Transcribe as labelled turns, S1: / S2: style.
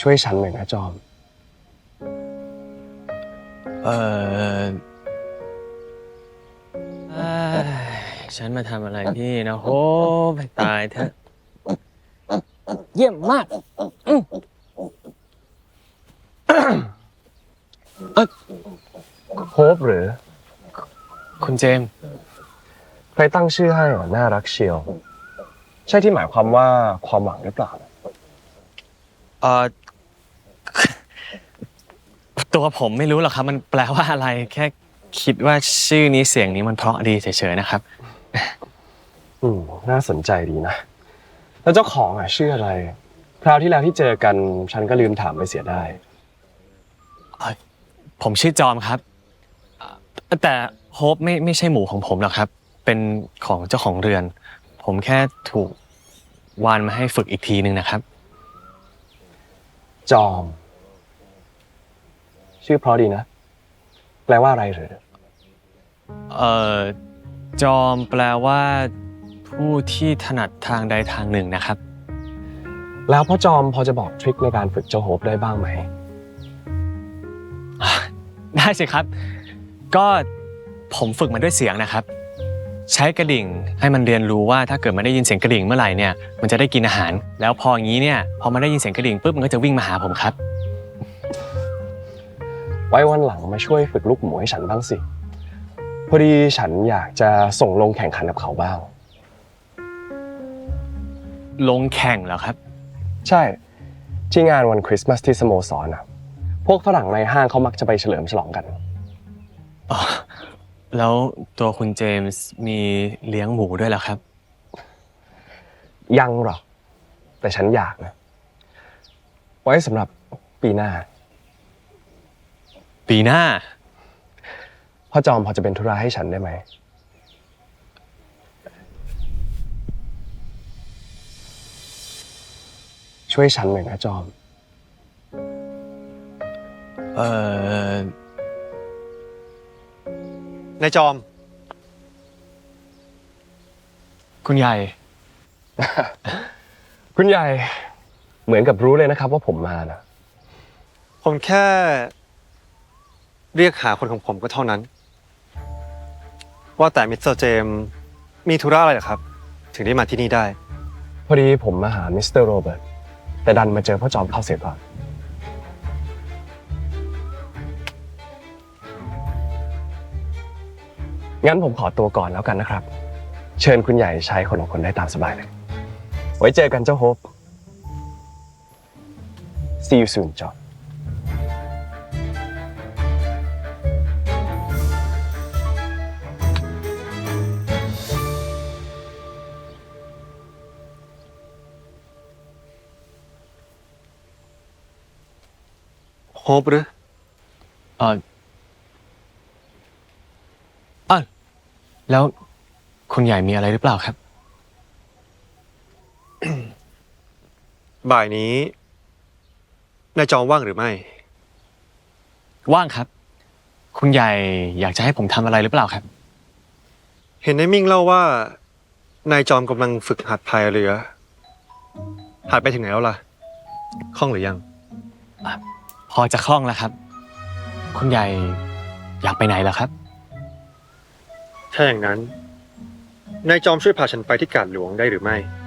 S1: ช่วยฉันหน่อยนะจอม
S2: เออเอ้ฉันมาทำอะไรพี่นะโหไปตายเถอะเยี่ยมมาก
S1: โฮปหรือ
S2: คุณเจมส์
S1: ใครตั้งชื่อให้น่ารักเชียวใช่ที่หมายความว่าความหวังหรือเปล่า
S2: เออตัวผมไม่รู้หรอกครับมันแปลว่าอะไรแค่คิดว่าชื่อนี้เสียงนี้มันเพราะดีเฉยๆนะครับ
S1: น่าสนใจดีนะแล้วเจ้าของชื่ออะไรคราวที่แล้วที่เจอกันฉันก็ลืมถามไปเสียได้
S2: ผมชื่อจอมครับแต่โฮปไม่ใช่หมูของผมหรอกครับเป็นของเจ้าของเรือนผมแค่ถูกวานมาให้ฝึกอีกทีนึงนะครับ
S1: จอมชื่อเพราะดีนะแปลว่าอะไรหรือ
S2: เอ่อจอมแปลว่าผู้ที่ถนัดทางใดทางหนึ่งนะครับ
S1: แล้วพ่อจอมพอจะบอกทริคในการฝึกเจ้าโฮปได้บ้างไหม
S2: ได้สิครับก็ผมฝึกมันด้วยเสียงนะครับใช้กระดิ่งให้มันเรียนรู้ว่าถ้าเกิดมันได้ยินเสียงกระดิ่งเมื่อไหร่เนี่ยมันจะได้กินอาหารแล้วพออย่างนี้เนี่ยพอมันได้ยินเสียงกระดิ่งปุ๊บมันก็จะวิ่งมาหาผมครับ
S1: ไว้วันหลังมาช่วยฝึกลูกหมูให้ฉันบ้างสิพอดีฉันอยากจะส่งลงแข่งขันกับเขาบ้าง
S2: ลงแข่งเหรอครับ
S1: ใช่ที่งานวันคริสต์มาสที่สโมสรพวกฝรั่งในห้างเขามักจะไปเฉลิมฉลองกัน
S2: อ๋อแล้วตัวคุณเจมส์มีเลี้ยงหมูด้วยเหรอครับ
S1: ยังหรอกแต่ฉันอยากนะไว้สำหรับปีหน้า
S2: ปีหน้า
S1: พ่อจอมพอจะเป็นธุระให้ฉันได้ไหมช่วยฉันหน่อยนะจอม
S2: เอ่
S3: นายจอม
S2: คุณใหญ่
S1: คุณใหญ่เหมือนกับรู้เลยนะครับว่าผมมานะ
S3: ผมแค่เรียกหาคนของผมก็เท่านั้นว่าแต่มิสเตอร์เจมส์มีธุระอะไรเหรอครับถึงได้มาที่นี่ได้
S1: พอดีผมมาหามิสเตอร์โรเบิร์ตแต่ดันมาเจอพ่อจอมเข้าเสียก่อนงั้นผมขอตัวก่อนแล้วกันนะครับ เชิญคุณใหญ่ใช้คนของคนได้ตามสบายเลย ไว้เจอกันเจ้าโฮป See you soon จอม
S3: โฮปหรือ
S2: แล้วคุณใหญ่มีอะไรหรือเปล่าครับ
S3: บ่ายนี้นายจอมว่างหรือไม่
S2: ว่างครับคุณใหญ่อยากจะให้ผมทำอะไรหรือเปล่าครับ
S3: เห็นนายมิ่งเล่าว่านายจอมกำลังฝึกหัดพายเรือหัดไปถึงไหนแล้วล่ะคล่องหรือยัง
S2: พอจะคล่องแล้วครับคุณใหญ่อยากไปไหนล่ะครับ
S3: ถ้าอย่างนั้นนายจอมช่วยพาฉันไปที่กาดหลวงได้หรือไม่